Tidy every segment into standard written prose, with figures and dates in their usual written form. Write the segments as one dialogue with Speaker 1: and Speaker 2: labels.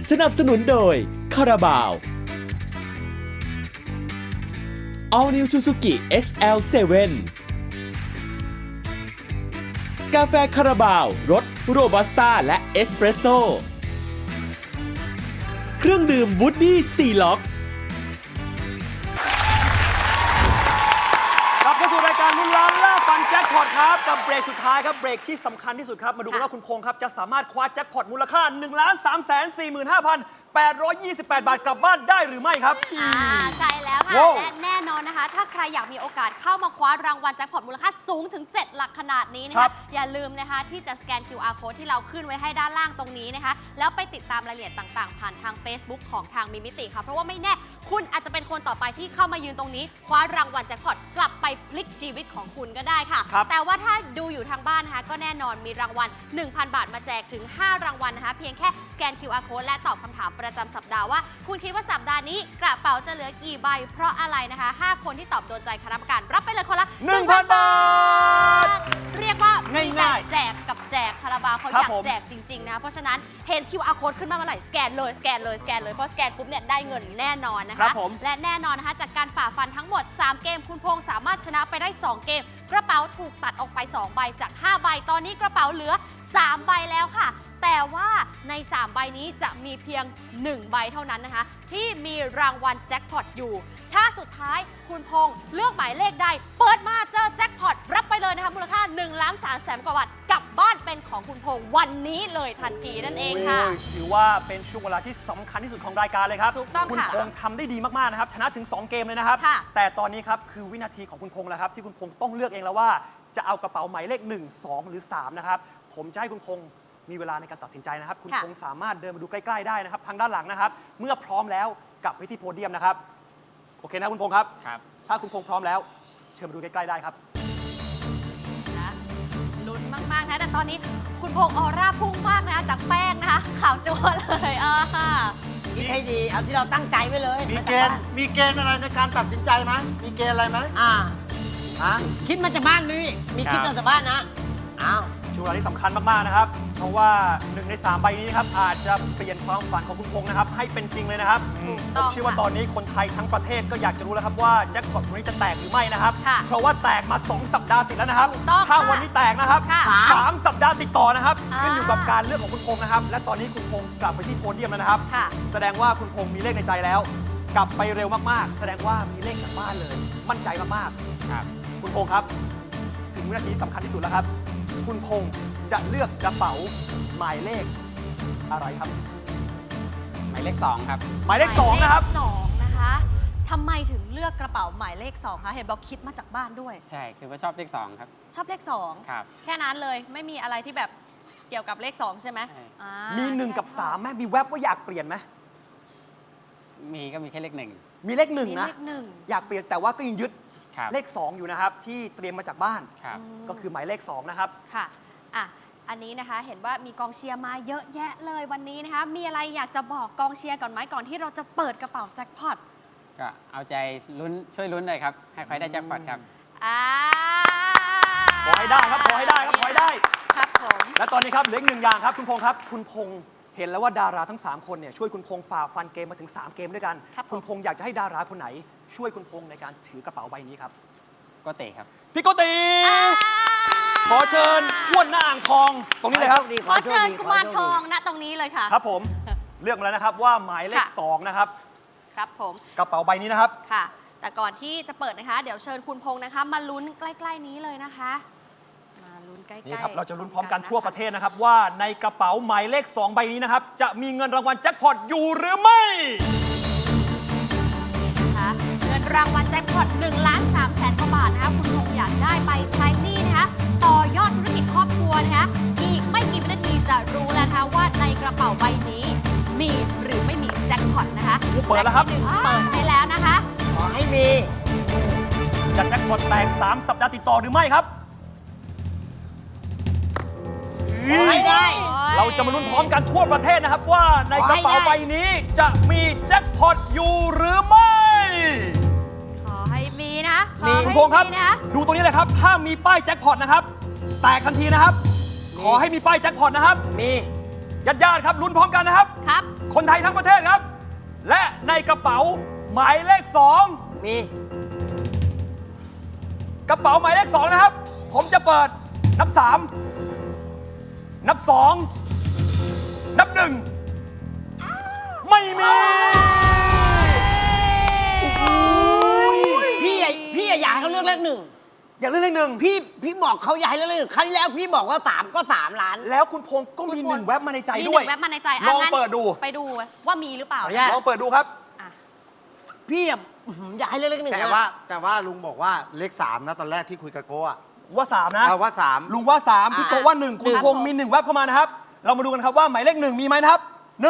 Speaker 1: สนับสนุนโดยคาราบาว All New Suzuki XL7 กาแฟคาราบาวรสโรบัสต้าและเอสเปรสโซ่เครื่องดื่มวูดดี้ซีล็อก
Speaker 2: กลับเข้าสู่รายการลุ้นล้านล่าฟันแจ็คพอตครับกับเบรกสุดท้ายครับเบรกที่สำคัญที่สุดครับมาดูกันว่าคุณพงษ์ครับจะสามารถคว้าแจ็คพอตมูลค่า 1,345,828 บาทกลับบ้านได้หรือไม่ครับ
Speaker 3: ใช่แล้วค่ะ
Speaker 2: ว้าว
Speaker 3: และแน่นอนนะคะ ถ้าใครอยากมีโอกาสเข้ามาคว้ารางวัลแจ็คพอตมูลค่าสูงถึง 7 หลักขนาดนี้นะ
Speaker 2: ครั
Speaker 3: คะ
Speaker 2: บ
Speaker 3: อย่าลืมนะคะที่จะสแกน QR code ที่เราขึ้นไว้ให้ด้านล่างตรงนี้นะคะ แล้วไปติดตามรายละเอียดต่างๆ ผ่านทาง Facebook ของทางมิมิติค่ะเพราะว่าไม่แน่คุณอาจจะเป็นคนต่อไปที่เข้ามายืนตรงนี้คว้ารางวัลแจ็คพอตกลับไปพลิกชีวิตของคุณก็ได้ค่ะ
Speaker 2: ครับ
Speaker 3: แต่ว่าถ้าดูอยู่ทางบ้านนะคะก็แน่นอนมีรางวัล 1,000 บาทมาแจกถึง 5 รางวัลนะคะเพียงแค่สแกน QR code และตอบคำถามประจำสัปดาห์ว่าคุณคิดว่าสัปดาห์นี้กระเป๋าจะเหลือกี่ใบ เพราะอะไรนะคะ 5 คนที่ตอบโดนใจคณะกรรมการรับไปเลยคนละ
Speaker 2: 1,000 บาท
Speaker 3: เรียกว่ามีแต่
Speaker 2: ง่ายๆ
Speaker 3: แจกกับแจกคาราบาวเขา
Speaker 2: ครั
Speaker 3: อบ ยาก
Speaker 2: ผม
Speaker 3: แจกจริงๆนะเพราะฉะนั้นเห็น QR code ขึ้นมาเมื่อไหร่สแกนเลยสแกนเลยสแกนเลยเพราะสแกนปุ๊บเนี่ยได้เงินแน่นอนนะ
Speaker 2: ครั
Speaker 3: คะ
Speaker 2: บผม
Speaker 3: และแน่นอนนะคะจากการฝ่าฟันทั้งหมด 3 เกมคุณพงษ์สามารถชนะไปได้ 2 เกม กระเป๋าถูกตัดออกไป 2 ใบจาก 5 ใบ ตอนนี้กระเป๋าเหลือ 3 ใบแล้วค่ะ แต่ว่าใน 3 ใบนี้จะมีเพียง 1 ใบเท่านั้นนะคะ ที่มีรางวัลแจ็คพอตอยู่ ถ้าสุดท้ายคุณพงษ์เลือกหมายเลขใด เปิดมาเจอแจ็คพอตรับไปเลยนะคะมูลค่า1,300,000 กว่าบาทกลับบ้านเป็นของคุณพงษ์วันนี้เลยทันทีนั่นเองค่ะ
Speaker 2: โยถือว่าเป็นช่วงเวลาที่สำคัญที่สุดของรายการเลยครับ
Speaker 3: ถูกต้อง
Speaker 2: คุณ
Speaker 3: ค่ะ
Speaker 2: พงษ์ทำได้ดีมากๆนะครับชนะถึง 2 เกมเลยนะครับ
Speaker 3: ค่ะ
Speaker 2: แต่ตอนนี้ครับคือวินาทีของคุณพงษ์แล้วครับที่คุณพงษ์ต้องเลือกเองแล้วว่าจะเอากระเป๋าหมายเลข 1 2 หรือ 3 นะครับผมจะให้คุณพงษ์มีเวลาในการตัดสินใจนะครับคุณ
Speaker 3: ค่ะ
Speaker 2: พงษ์สามารถเดินมาดูใกล้ๆได้นะครับทางด้านหลังนะครับเมื่อพร้อมแล้วกลับไปที่โพเดียมนะครับโอเคนะคุณพงษ์ครับ
Speaker 4: ครับ
Speaker 2: ถ้าคุณพงษ์พร้อมแล้วเชิญมาดูใกล้ๆได้ครับ
Speaker 3: นะลุ้นมากๆนะแต่ตอนนี้คุณพงษ์ออร่าพุ่งมากนะจากแป้งนะคะขาวจั๊วเลย
Speaker 5: คิดให้ดี เอาที่เราตั้งใจไว้เลย
Speaker 6: มีเกณฑ์อะไรในการตัดสินใจไหมมีเกณฑ์อะไรไหม ฮะ
Speaker 5: คิดมาจากบ้านไหมพี่มีคิดมาจากบ้านนะ อ้าว
Speaker 2: ช่วงเวลาที่สำคัญมากๆนะครับ เพราะว่า1 ใน 3 ใบนี้นะครับอาจจะเปลี่ยนความฝันของคุณพงษ์นะครับให้เป็นจริงเลยนะครับ
Speaker 3: ถูก
Speaker 2: ผ
Speaker 3: ต้อ
Speaker 2: ม
Speaker 3: ง
Speaker 2: เชื่อว่า
Speaker 3: ค่ะ
Speaker 2: ตอนนี้คนไทยทั้งประเทศก็อยากจะรู้แล้วครับว่าแจ็คพอตวันนี้จะแตกหรือไม่นะครับ
Speaker 3: ค่ะ
Speaker 2: เพราะว่าแตกมา 2 สัปดาห์ติดแล้วนะครับ
Speaker 3: ถูกต้อง
Speaker 2: ถ้า
Speaker 3: ค่ะ
Speaker 2: วันนี้แตกนะครับ
Speaker 3: ค่ะ
Speaker 2: 3 สัปดาห์ติดต่อนะครับ
Speaker 3: อ่า
Speaker 2: ขึ้นอยู่กับการเลือกของคุณพงษ์นะครับ และตอนนี้คุณพงษ์กลับไปที่โพเดียมแล้วนะครับ
Speaker 3: ค่ะ
Speaker 2: แสดงว่าคุณพงษ์มีเลขในใจแล้ว กลับไปเร็วมากๆ แสดงว่ามีเลขจากบ้านเลย มั่นใจมากๆ
Speaker 4: ครับ
Speaker 2: คุณพงษ์ครับ ถึงวินาทีสำคัญที่สุดแล้วครับ คุณพงษ์จะเลือกกระเป๋าหมายเลขอะไรครับ
Speaker 4: หมายเลข 2 ครับ
Speaker 2: หมายเลข 2 นะครับ
Speaker 3: หมายเลข2นะคะทำไมถึงเลือกกระเป๋าหมายเลข 2 คะ เห็นบอกคิดมาจากบ้านด้วย
Speaker 4: ใช่ คือว่าชอบเลข 2 ครับ
Speaker 3: ชอบเลข 2
Speaker 4: ครับ
Speaker 3: แค่นั้นเลยไม่มีอะไรที่แบบเกี่ยวกับเลข 2 ใช่ไหม
Speaker 4: ใช่
Speaker 3: อ่า
Speaker 2: มี 1 กับ 3ไหมมีแวบว่าอยากเปลี่ยนไหม
Speaker 4: มีก็มีแค่เลข
Speaker 2: มีเลข
Speaker 3: มี
Speaker 2: 1 นะ
Speaker 3: เลข
Speaker 2: อยากเปลี่ยนแต่ว่าก็ยังยึด
Speaker 4: 1 ครับ
Speaker 2: เลข 2 อยู่นะครับ ที่เตรียมมาจากบ้าน
Speaker 4: ครับ
Speaker 2: ก็คือหมายเลข 2 นะครับ
Speaker 3: ค่ะอ่ะ อันนี้นะคะเห็นว่ามีกองเชียร์มาเยอะแยะเลยวันนี้นะคะ มีอะไรอยากจะบอกกองเชียร์ก่อนไหมก่อนที่เราจะเปิดกระเป๋าแจ็คพอต
Speaker 4: ก็เอาใจลุ้นช่วยลุ้นเลยครับ ให้ใครได้แจ็คพอตครับ
Speaker 3: อ่า
Speaker 2: ขอให้ได้ครับ ขอให้ได้ครับ ขอให้ได้
Speaker 3: ครับผม
Speaker 2: และตอนนี้ครับเหลืออีก1 อย่างครับ คุณพงษ์ครับ คุณพงษ์เห็นแล้วว่าดาราทั้ง 3 คนเนี่ยช่วยคุณพงษ์ฝ่าฟันเกมมาถึง 3 เกมด้วยกัน
Speaker 3: ครับผม
Speaker 2: คุณพงษ์อยากจะให้ดาราคนไหน ช่วยคุณพงษ์ในการถือกระเป๋าใบนี้ครับ
Speaker 4: ก็เตะครับ
Speaker 2: พี่โกติขอเชิญอ้วนหน้าอ่างทองตรงนี้เลยครับ
Speaker 3: ขอเชิญกุมารทองณตรงนี้เลยค่ะ
Speaker 2: ครับผมเลือกมาแล้วนะครับว่าหมายเลข
Speaker 3: ค่ะ
Speaker 2: 2 นะครับ
Speaker 3: ครับผม
Speaker 2: กระเป๋าใบนี้นะครับ
Speaker 3: ค่ะ แต่ก่อนที่จะเปิดนะคะ เดี๋ยวเชิญคุณพงษ์นะคะ มาลุ้นใกล้ๆนี้เลยนะคะ มาลุ้นใกล้ๆ
Speaker 2: นี่ครับ เราจะลุ้นพร้อมกันทั่วประเทศนะครับ ว่าในกระเป๋าหมายเลข 2 ใบนี้นะครับ จะมีเงินรางวัลแจ็คพอตอยู่หรือไม่
Speaker 3: นะคะเงินรางวัลแจ็คพอต1,300,000 กว่าบาทนะคะ คุณพงษ์อยากได้ไปใช้หนี้นะคะ ต่อยอดธุรกิจครอบครัวนะคะ อีกไม่กี่วินาทีจะรู้แล้วนะคะว่าในกระเป๋าใบนี้ มีหรือไม่มีแจ็คพอตนะคะ
Speaker 2: เปิดแล้วครับ
Speaker 3: ะที่หนึ่งเปิดให้แล้วนะคะ
Speaker 5: ขอให้มี
Speaker 2: จะแจ็คพอตแตก 3 สัปดาห์ติดต่อหรือไม่ครับ
Speaker 5: ขอให้ได้
Speaker 2: เราจะมาลุ้นพร้อมกันทั่วประเทศนะครับ ว่าในกระเป๋าใบนี้จะมีแจ็คพอตอยู่หรือไม่
Speaker 3: ขอให้มีนะขอ
Speaker 2: คุ
Speaker 3: ให้
Speaker 2: ณพงษ์ครับ
Speaker 3: มีนะ
Speaker 2: ดูตรงนี้เลยครับ ถ้ามีป้ายแจ็คพอตนะครับ แตกทันทีนะครับ ขอให้มีป้ายแจ็คพอตนะครับ
Speaker 5: มี
Speaker 2: ญาติๆครับลุ้นพร้อมกันนะครับ
Speaker 3: ครับ
Speaker 2: คนไทยทั้งประเทศครับ และในกระเป๋าหมายเลข 2
Speaker 5: มี
Speaker 2: กระเป๋าหมายเลข 2 นะครับ ผมจะเปิดนับ 3 นับ 2 นับ 1 ไม่มี
Speaker 5: พี่อยากให้เขาเลือกเลขหนึ่ง
Speaker 2: อยากเลือกเลขหนึ่ง
Speaker 5: พี่บอกเขาอยากให้เลือกเลขหนึ่งครั้งที่แล้วพี่บอกว่า3ก็3 ล้าน
Speaker 2: แล้วคุณพงษ์ก็มี
Speaker 3: คุณพงษ์
Speaker 2: 1 แว็บมาในใจ
Speaker 3: มี
Speaker 2: ด้วย
Speaker 3: 1 แว็บมาในใจ
Speaker 2: ลอง
Speaker 3: งั้น
Speaker 2: เปิดดู
Speaker 3: ไปดูว่ามีหรือเปล่า
Speaker 5: ขออนุญาต
Speaker 2: ลองเปิดดูครับ
Speaker 3: อ่ะ
Speaker 5: พี่อยากให้เลือกเลขหนึ่ง
Speaker 6: แต่ว่าลุงบอกว่าเลข 3 นะตอนแรกที่คุยกับโก้อะ
Speaker 2: ว่า 3 นะ
Speaker 6: ว่า 3
Speaker 2: ลุงว่า 3 พี่โกว่า 1 คุณพงษ์มี 1 แว็บเข้ามานะครับ เรามาดูกันครับว่าหมายเลข 1 มีไหมนะครับ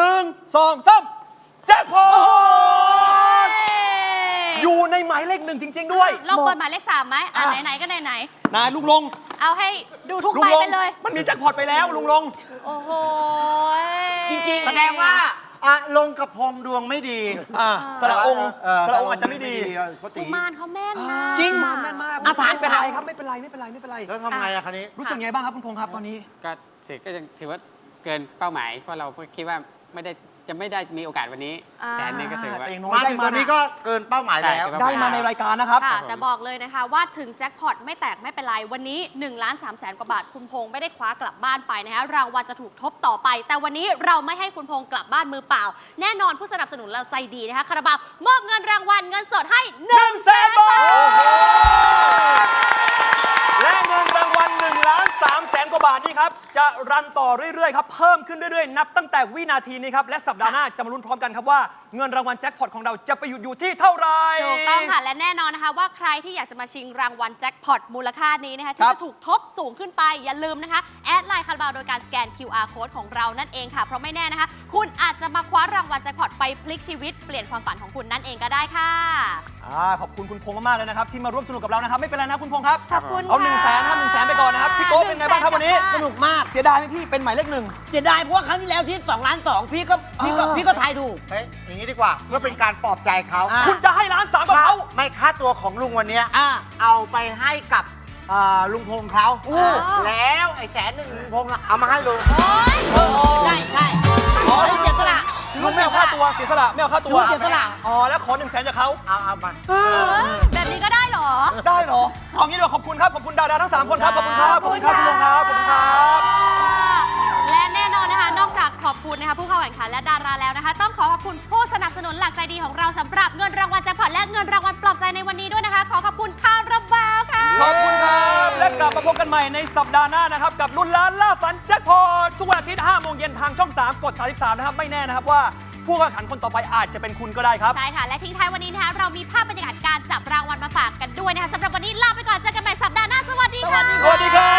Speaker 2: 1 2 3 แจ็คพอตอยู่ในหมายเลข 1 จริง ๆ ด้วย
Speaker 3: ลองเปิดหมายเลข 3ไหมอ่ะ
Speaker 2: อ่ะ
Speaker 3: ไหนๆก็ไหน
Speaker 2: นายลุงลง
Speaker 3: ๆเอาให้ดูทุก
Speaker 2: ลุ
Speaker 3: ใบ
Speaker 2: งลง
Speaker 3: ไปเลย
Speaker 2: มันมีแจ็คพอตไปแล้วลุงลง
Speaker 3: โอ้โห
Speaker 5: จริงๆ
Speaker 6: แสดงว่าอะลงกับพงดวงไม่ดี
Speaker 2: สระองค์สระองค์อาจจะไม่ดี
Speaker 6: โกติ
Speaker 3: กุมารเขาแม่นนะ
Speaker 2: จริงมันแม่นมาก
Speaker 5: อ่ะถาม
Speaker 2: ไม่เป็นไรครับไม่เป็นไรไม่เป็นไรไม่เป็นไร
Speaker 6: แล้วทำไงอะคันนี้
Speaker 2: รู้สึกไงบ้างครับคุณพงษ์ครับตอนนี้
Speaker 4: ก็สิก็ยังถือว่าเกินเป้าหมาย เพราะเราคิดว่าจะไม่ได้มีโอกาสวันนี้
Speaker 3: อ่า
Speaker 4: แต่อันนี้ก็ถือว่า
Speaker 2: แต่อย่างน้อย
Speaker 6: มา
Speaker 2: ได้
Speaker 6: ถึง
Speaker 2: มา
Speaker 6: ตอนนี้ก็เกินเป้าหมายแล้ว
Speaker 4: ได้
Speaker 2: ได้มาในรายการนะครับ
Speaker 3: ค่ะ แต่บอกเลยนะคะว่าถึงแจ็คพอตไม่แตกไม่เป็นไร วันนี้1,300,000 กว่าบาท คุณพงษ์ไม่ได้คว้ากลับบ้านไปนะคะรางวัลจะถูกทบต่อไป แต่วันนี้เราไม่ให้คุณพงษ์กลับบ้านมือเปล่า แน่นอนผู้สนับสนุนเราใจดีนะคะคาราบาวมอบเงินรางวัลเงินสดให้
Speaker 2: 100,000 บาท และเงินรางวัล1,300,000 กว่าบาทนี่ครับ จะรันต่อเรื่อยๆครับ เพิ่มขึ้นเรื่อยๆ นับตั้งแต่วินาทีนี้ครับ และสัปดาห์หน้าจะมาลุ้นพร้อมกันครับว่าเงินรางวัลแจ็คพอตของเราจะไปหยุดอยู่ที่เท่าไหร่
Speaker 3: ถูกต้องค่ะ และแน่นอนนะคะว่าใครที่อยากจะมาชิงรางวัลแจ็คพอตมูลค่านี้นะคะ
Speaker 2: ค
Speaker 3: ที่
Speaker 2: รับ
Speaker 3: จะถูกทบสูงขึ้นไป อย่าลืมนะคะ แอดไลน์คาราบาวโดยการสแกน QR code ของเรานั่นเองค่ะ เพราะไม่แน่นะคะ คุณอาจจะมาคว้ารางวัลแจ็คพอตไปพลิกชีวิตเปลี่ยนความฝันของคุณนั่นเองก็ได้ค่ะ
Speaker 2: ขอบคุณคุณพงษ์มากๆเลยนะครับที่มาร่วมสนุกกับเรานะครับไม่เป็นไรนะคุณพงษ์ครับ
Speaker 3: ขอบคุณ
Speaker 2: เอา
Speaker 3: ค่ะ
Speaker 2: 100,000ครับ100,000ไปก่อนนะครับพี่โก้เป็นไงบ้างครับวันนี้
Speaker 5: สนุกมาก
Speaker 2: เสียดายไหมพี่เป็นหมายเลข 1
Speaker 5: เสียดายเพราะว่าครั้งที่แล้วที่2 ล้าน 2พี่ก็ทายถูก
Speaker 6: เฮ้ยอย่างนี้ดีกว่าเพื่อเป็นการปลอบใจเขา
Speaker 5: อ่ะ
Speaker 2: คุณจะให้1,300,000กับเขา
Speaker 6: ไม่ค่าตัวของลุงวันเนี้ย
Speaker 5: อ่ะ
Speaker 6: เอาไปให้กับลุงพงษ์เขา
Speaker 3: อู้
Speaker 6: แล้วไอ้100,000ลุงพงษ์น่ะเอามาให้ลุง
Speaker 5: ใช่อ๋อเสียสละ
Speaker 2: ลุงไม่เอาค่าตัวเสียสละไม่เอาค่าตัว
Speaker 5: เสียสละ
Speaker 2: อ๋อแล้วขอ100,000จากเขา
Speaker 6: เอามา
Speaker 3: แบบนี้ก็ได้เหรอ
Speaker 2: ได้เหรอเอางี้เดี๋ยวขอบคุณครับขอบคุณดาราทั้ง3คนครับขอบคุณครับขอบคุณครับคุณลุงครับขอบคุณครับ
Speaker 3: และแน่นอนนะคะ นอกจากขอบคุณนะคะผู้เข้าแข่งขันและดาราแล้วนะคะ ต้องขอขอบคุณผู้สนับสนุนหลักใจดีของเราสำหรับเงินรางวัลแจ็คพอตและเงินรางวัลปลอบใจในวันนี้ด้วยนะคะ ขอขอบคุณคาราบาวค่ะ
Speaker 2: ขอบคุณครับและกลับมาพบกันใหม่ในสัปดาห์หน้านะครับกับลุ้นล้านล่าฝันแจ็คพอตทุกวันอาทิตย์5 โมงเย็นทางช่อง 3 กด 33 นะครับไม่แน่นะครับว่าผู้แข่งขันคนต่อไปอาจจะเป็นคุณก็ได้ครับ
Speaker 3: ใช่ค่ะ และทิ้งท้ายวันนี้นะคะเรามีภาพบรรยากาศการจับรางวัลมาฝากกันด้วยนะคะสำหรับวันนี้ลาไปก่อนเจอกันใหม่สัปดาห์หน้าสวัสดีค่ะ
Speaker 2: สวัสดีครับ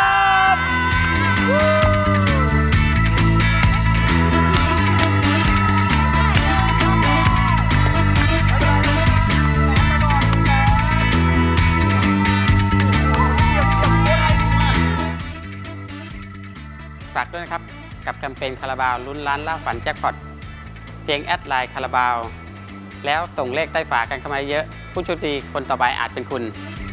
Speaker 4: ฝากด้วยนะครับ กับแคมเปญคาราบาวลุ้นล้านล่าฝันแจ็คพอตเพียงแอดไลน์คาราบาวแล้วส่งเลขใต้ฝากันเข้ามาเยอะ ผู้โชคดีคนต่อไปอาจเป็นคุณ